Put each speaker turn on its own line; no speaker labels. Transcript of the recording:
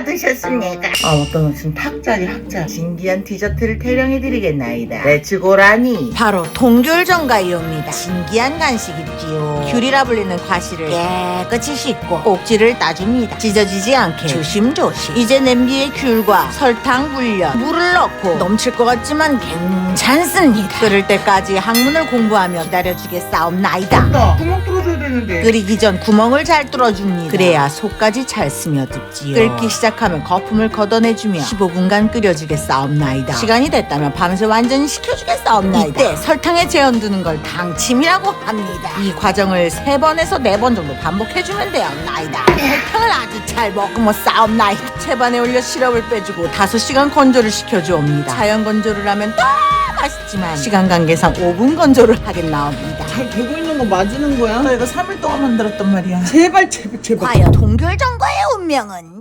받으셨습니까? 어떤 무슨 탁자리 학자 신기한 디저트를 태령해드리겠나이다. 레츠고라니.
바로 동귤전과이옵니다. 신기한 간식이지요. 귤이라 불리는 과실을 깨끗이 씻고 꼭지를 따줍니다. 찢어지지 않게 조심조심. 이제 냄비에 귤과 설탕 불려 물을 넣고 넘칠 것 같지만 괜찮습니다. 끓을 때까지 학문을 공부하며 기다려주겠사옵나이다.
나 구멍 뚫어줘야 되는데.
끓이기 전 구멍을 잘 뚫어줍니다. 그래야 속까지 잘 스며들지요. 끓기 시작하면 거품을 걷어내주며 15분간 끓여주겠사옵나이다. 시간이 됐다면 밤새 완전히 식혀주겠사옵나이다. 이때 설탕에 재현두는 걸 당침이라고 합니다. 이 과정을 3번에서 4번 정도 반복해주면 되옵나이다. 설탕을 아주 잘 머금어 싸옵나이다. 채반에 올려 시럽을 빼주고 5시간 건조를 시켜주옵니다. 자연 건조를 하면 더 맛있지만 시간 관계상 5분 건조를 하겠나옵니다.
잘 되고 있는 거 맞는 거야?
나 이거 3일 동안 만들었단 말이야.
제발 제발 제발.
과연 동귤전과의 운명은?